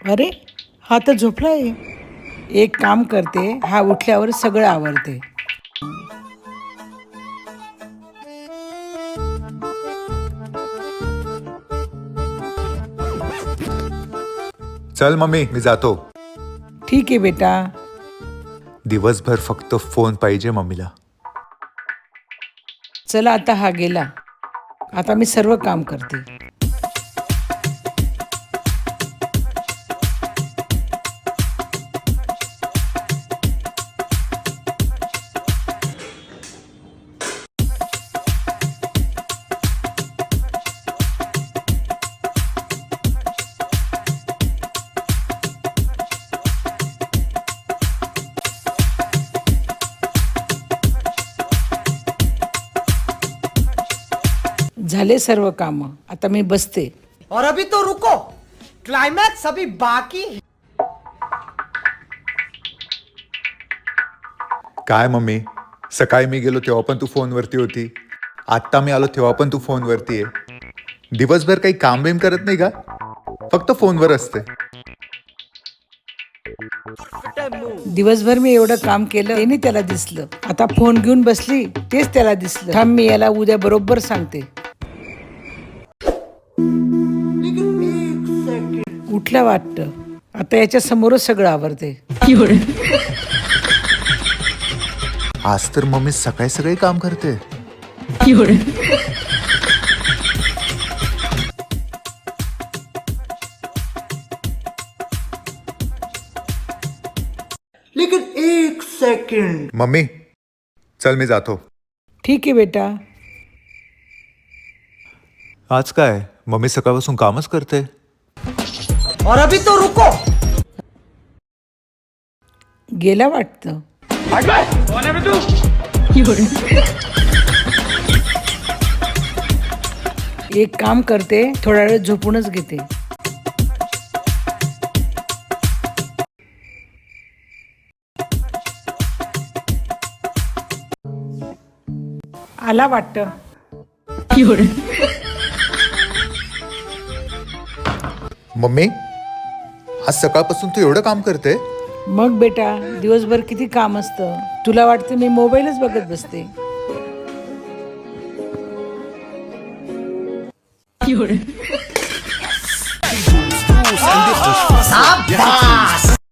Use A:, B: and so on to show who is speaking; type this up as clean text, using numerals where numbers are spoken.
A: अरे हा तर झोपलाय. एक काम करते, हा उठल्यावर सगळं आवरते.
B: चल मम्मी, मी जातो.
A: ठीक आहे बेटा.
B: दिवसभर फक्त फोन पाहिजे मम्मीला.
A: चला आता हा गेला. आता मी सर्व काम करते. झाले सर्व काम. आता मी बसते.
C: और अभी तो रुको, क्लाइमैक्स अभी बाकी है.
B: काय मम्मी, सकाळी मी गेलो तेव्हा पण तू फोनवरती होती. आत्ता मी आलो तेव्हा पण तू फोनवरती आहे. दिवसभर काही काम बिम करत नाही का? फक्त फोनवर असते.
A: दिवसभर मी एवढं काम केलं ते नाही त्याला दिसलं. आता फोन घेऊन बसली तेच त्याला दिसलं. थांब, मी याला उद्या बरोबर सांगते. उठला वाटतं. आता याच्या समोरच सगळं आवरते.
B: आज तर मम्मी सकाळी सकाळी काम करते.
C: लेकिन एक सेकंड.
B: मम्मी चल, मी जातो.
A: ठीक आहे बेटा.
B: आज काय मम्मी सकाळपासून कामच करते.
C: और अभी तो रुको.
A: गेला वाटतं. एक काम करते, थोडा वेळ झोपूनच घेते. आला वाटतं.
B: मम्मी आज सकाळपासून तू एवढं काम करते?
A: मग बेटा, दिवसभर किती काम असतं. तुला वाटतं मी मोबाईलच बघत बसते.
C: शाबाश.